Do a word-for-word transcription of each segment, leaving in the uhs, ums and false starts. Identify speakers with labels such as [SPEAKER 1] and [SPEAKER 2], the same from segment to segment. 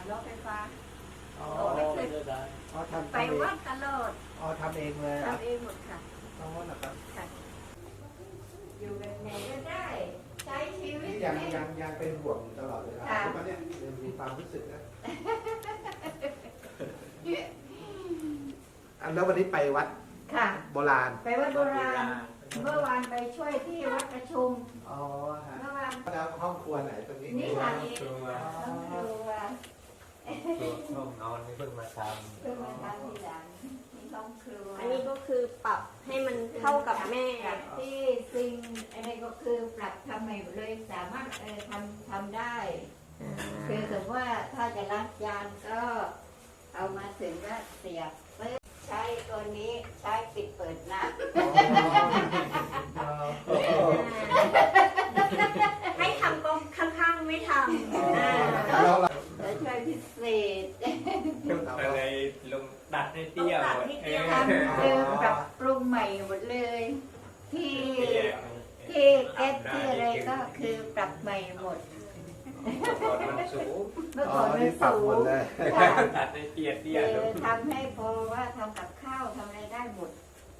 [SPEAKER 1] รถไฟฟ้า
[SPEAKER 2] อ๋อ
[SPEAKER 1] ไม่เคย
[SPEAKER 2] อ๋อทำ
[SPEAKER 1] ไปวัดตลอด
[SPEAKER 2] อ๋อทำเองเลยอ่ะ
[SPEAKER 1] ทำเองหมดค่ะ
[SPEAKER 2] อ๋อนะครับ
[SPEAKER 1] ค่ะอยู่แบบไหนก็ได้ใช้ชีวิต
[SPEAKER 2] นี่ยังยังยังเป็นห่วงตลอดเวลา
[SPEAKER 1] ค่ะ
[SPEAKER 2] ทุกวันเนี่ยยังมีความรู้สึกนะอันแล้ววันนี้ไปวัด
[SPEAKER 1] ค่ะ
[SPEAKER 2] โบราณ
[SPEAKER 1] ไปวัดโบราณเมื่อวานไปช่วยที่วัดประชุม
[SPEAKER 2] อ๋อฮะ
[SPEAKER 1] เมื่อวาน
[SPEAKER 2] แล้วห้องครัวไหนตรงนี้
[SPEAKER 1] นี่ค่ะนี่ต้องครัว
[SPEAKER 3] ห้องนอนนี่เพิ่งมาท
[SPEAKER 1] เพิ่งมาทำทีหลังนี่ห้องครัว
[SPEAKER 4] อันนี้ก็คือปรับให้มันเท่ากับแม่
[SPEAKER 1] ปรับที่ซิงอะไรก็คือปรับทำใหม่หมดเลยสามารถเออทำทำได้ คือสมมติว่าถ้าจะล้างจานก็เอามาถึงก็เสียบปึ๊บใช้ตัวนี้ใช้ปิดเปิดหน้า
[SPEAKER 2] อ๋อ
[SPEAKER 4] ให้ทำก็ข้างๆไม่ทำอ่า
[SPEAKER 2] แล้วเรา
[SPEAKER 1] แล้วช่วยพิเศษ
[SPEAKER 3] ำอะไรลงดัดให้เตี้ยหมดเออ
[SPEAKER 1] ทำคือปรับปรุงใหม่หมดเลย ที่ที่แก๊สที่อะไรก็คือปรับใหม่หมด
[SPEAKER 3] ก่อนมันสูง
[SPEAKER 1] เมื่อ
[SPEAKER 2] อ๋อ
[SPEAKER 1] ก่อนมัน
[SPEAKER 2] นี่ปรับ
[SPEAKER 1] สู
[SPEAKER 2] หมด
[SPEAKER 1] ง
[SPEAKER 2] เลย
[SPEAKER 1] ค่ะ
[SPEAKER 3] ดัดให้เตี้ยเตี้ย
[SPEAKER 1] คื
[SPEAKER 3] ล
[SPEAKER 1] อง ทำให้พอว่าทำกับข้าวทำอะไรได้หมด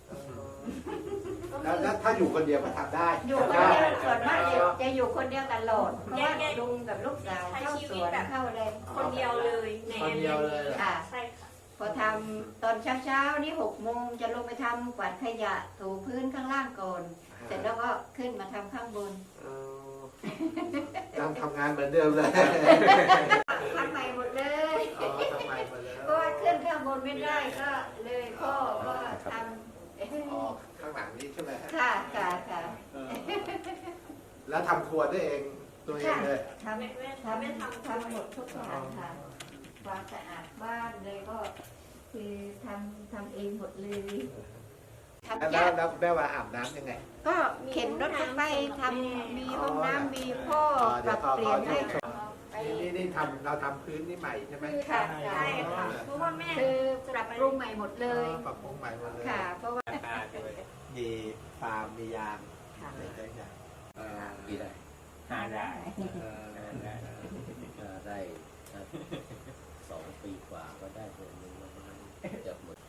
[SPEAKER 2] แล้วแล้วถ้าอยู่คนเดียวก็ทำได้
[SPEAKER 1] อยู่คนเดียวส่วนมากจะจะอยู่คนเดียวตลอดเพราะว่าลุงกับลูกสาวเข้าสวนเข้าอะไร
[SPEAKER 4] คนเดียวเลยใน
[SPEAKER 2] คนเดียวเลย
[SPEAKER 1] ค่ะ
[SPEAKER 4] ใช่ค่ะ
[SPEAKER 1] พอทำตอนเช้าๆนี่หกโมงจะลงไปทำกวาดขยะถูพื้นข้างล่างก่อน เสร็จแล้วก็ขึ้นมาทำข้างบน
[SPEAKER 2] เออยังทำงานเหมือนเดิมเลย
[SPEAKER 1] ทำใหม่หมดเลย
[SPEAKER 2] อ๋อทำไมมาแล้ว
[SPEAKER 1] เพราะว่าขึ้นข้างบนไม่ได้ก็เลยพ่อก็ท
[SPEAKER 2] อ๋อข้างหลังนี้ใช่ไหมฮะ
[SPEAKER 1] ำค่ะค่ะค่ะ
[SPEAKER 2] เออแล้วทำครัวด้วยเองตัวเองเลย
[SPEAKER 1] ทำ
[SPEAKER 4] แม่แม่
[SPEAKER 1] ทำ
[SPEAKER 4] แม่
[SPEAKER 1] ทำ
[SPEAKER 4] ทำ
[SPEAKER 1] ทำหมดทุกอย่างค่ะความสะอาดบ้านเลยก็คือทำทำเองหมดเลยทำ
[SPEAKER 2] แล้ว
[SPEAKER 1] ยาก
[SPEAKER 2] แล้วแม่ว่าอาบน้ำยังไง
[SPEAKER 1] ก็เข็นรถเข้าไปทำมีห้องน้ำมีพ่อปรับเปลี่ยนให้ไป
[SPEAKER 2] นี่นี่นี่ทำเราทำพื้นนี่ใหม่ใช่ไหม
[SPEAKER 1] ค่ะ
[SPEAKER 4] ใช่ค่ะ เพราะว่าแม่
[SPEAKER 1] คือปรับปรุงใหม่หมดเลย
[SPEAKER 2] อ๋อปรับปรุงใหม่หมดเลย
[SPEAKER 1] ค่ะ เพราะว่า
[SPEAKER 3] ราคาด้วย
[SPEAKER 2] มีฟาร์มมียาง
[SPEAKER 1] ค่ะ
[SPEAKER 2] อะไรต่างๆเอ่อ
[SPEAKER 5] กี่ได้
[SPEAKER 3] หาได้
[SPEAKER 2] เอ่อ
[SPEAKER 5] ถ้าได้ถ้าสองปีกว่าก็ได้เดือนหนึงประมาณเกือบหมด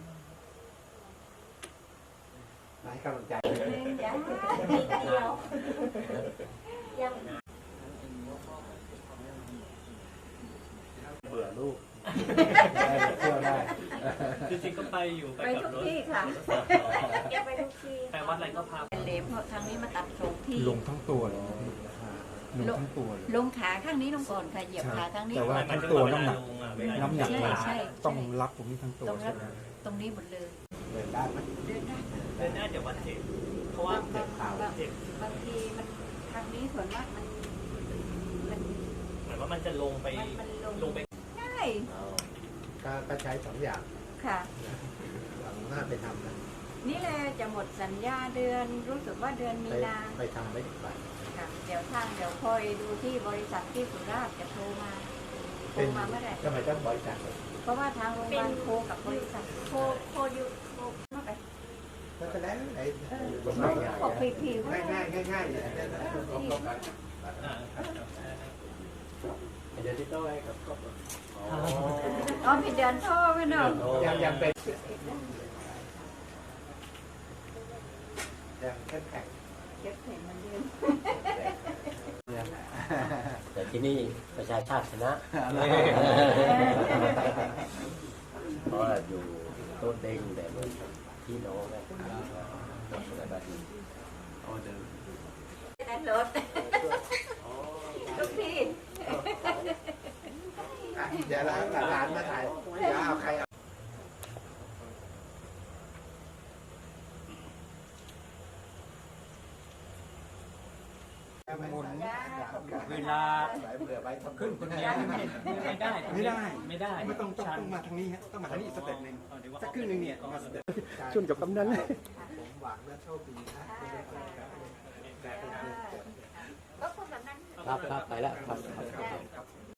[SPEAKER 2] ให้กำลังใจ
[SPEAKER 1] จ้า
[SPEAKER 4] เดียวยัง
[SPEAKER 2] เบื่อลูกได้เที่ยวได้
[SPEAKER 6] จริงๆก็ไปอยู่ไป
[SPEAKER 1] ไป
[SPEAKER 6] กับ
[SPEAKER 1] ทุก
[SPEAKER 6] รถ
[SPEAKER 1] ที่ค่ะ
[SPEAKER 4] แกไปทุกที่
[SPEAKER 6] ไปวัดอะไรก็พา
[SPEAKER 1] เหลมเพราะทางนี้มาตัดสองที่
[SPEAKER 7] ลงทั้งตัวเลยลงทั้งตัวเลย
[SPEAKER 1] ลงขาข้างนี้ลงก่อนค่ะเหยียบขาข้างนี้
[SPEAKER 7] แต่ว่า
[SPEAKER 6] หมาย
[SPEAKER 7] ทั้ง
[SPEAKER 6] ถึง
[SPEAKER 7] ตัว
[SPEAKER 6] ว่าเว
[SPEAKER 7] น้ำ
[SPEAKER 6] ลา
[SPEAKER 7] หนัก
[SPEAKER 6] ลงอ่ะเวลา
[SPEAKER 7] น้ำหนัก
[SPEAKER 1] ใช่
[SPEAKER 7] มัน
[SPEAKER 1] ใช่
[SPEAKER 7] ต้องรับตรงนี้ทั้งตัว
[SPEAKER 1] ตรง
[SPEAKER 7] ใช่
[SPEAKER 1] รับ
[SPEAKER 7] ไหม
[SPEAKER 1] ตรงนี้หมดเลย
[SPEAKER 2] เดินได้ไหม
[SPEAKER 1] เดินได้
[SPEAKER 6] เดินหน้าเดี๋ยววัดเจ็บเพราะว่า
[SPEAKER 1] บางบางบาง
[SPEAKER 6] เจ็บบ
[SPEAKER 1] างทีมันทางนี้ส่วนมากมันมัน
[SPEAKER 6] เหมือนว่ามันจะลงไป
[SPEAKER 1] มันมันลง
[SPEAKER 6] ลงไป
[SPEAKER 1] ได้
[SPEAKER 2] ก็ก็ใช้สองอย่าง
[SPEAKER 1] ค่ะ
[SPEAKER 2] หลังหน้าไปทำนะ
[SPEAKER 1] นี่แหละจะหมดสัญญาเดือนรู้สึกว่าเดือนมี
[SPEAKER 2] ไป
[SPEAKER 1] นา
[SPEAKER 2] ไปทำไม่ถึงวัน
[SPEAKER 1] ค่ะเดี๋ยวทางเดี๋ยวคอยดูที่บริษัทที่สุราษฎร์จะโทรมาโทรมาเมื่อไหร่
[SPEAKER 2] ทำไมต้องบริจาคเลย
[SPEAKER 1] เพราะว่าทางโรงพยาบาลโทรกับบริษัท
[SPEAKER 4] โคโคยูโค
[SPEAKER 1] มาไป
[SPEAKER 2] ก็แสดงไอ้
[SPEAKER 1] บอกผิวๆ
[SPEAKER 2] ง่ายง่ายง่ายง่ายๆอย่างนี้นะ
[SPEAKER 6] อ่า
[SPEAKER 5] เดี๋ยวที่โต้ให้กับก็
[SPEAKER 1] อ๋อผิดเดือนโทรไปเนาะ
[SPEAKER 2] ยังยังเป็นยังแข็งแข็ง
[SPEAKER 1] เก็บเห็นมันเดือน
[SPEAKER 5] แต่ที่นี่ประชาชาติชนะ เพราะว่าอยู่โต้นเด้งแต่เหมือนพี่น้องนะอะไรแบบนี้
[SPEAKER 1] นั่นรถทุกที่
[SPEAKER 2] อ่ะเดี๋ยวหลานมาถ่ายเดี๋ยวเอาใครเอา
[SPEAKER 6] เวลา
[SPEAKER 2] เบื่อไปทำ
[SPEAKER 6] ขึ้นคนเดียวไม่ไม่ได้
[SPEAKER 7] ไม่ได้
[SPEAKER 6] ไม่ได้
[SPEAKER 7] ไม่ต้องต้อง
[SPEAKER 6] ชัน
[SPEAKER 7] ต้องมาทางนี้ฮะต้องมาทางนี้อีกสเต็ปหนึ่ง
[SPEAKER 6] เอาเดี๋ยวว่า
[SPEAKER 7] สักครึ่งหนึ่งเนี่ยมาสเต็ป
[SPEAKER 2] ชนกับกำนันเลยผมหวังและโชคดีนะ
[SPEAKER 1] ก็คนแบบนั้น
[SPEAKER 5] ครับครับไปแล้วครับ
[SPEAKER 1] ได้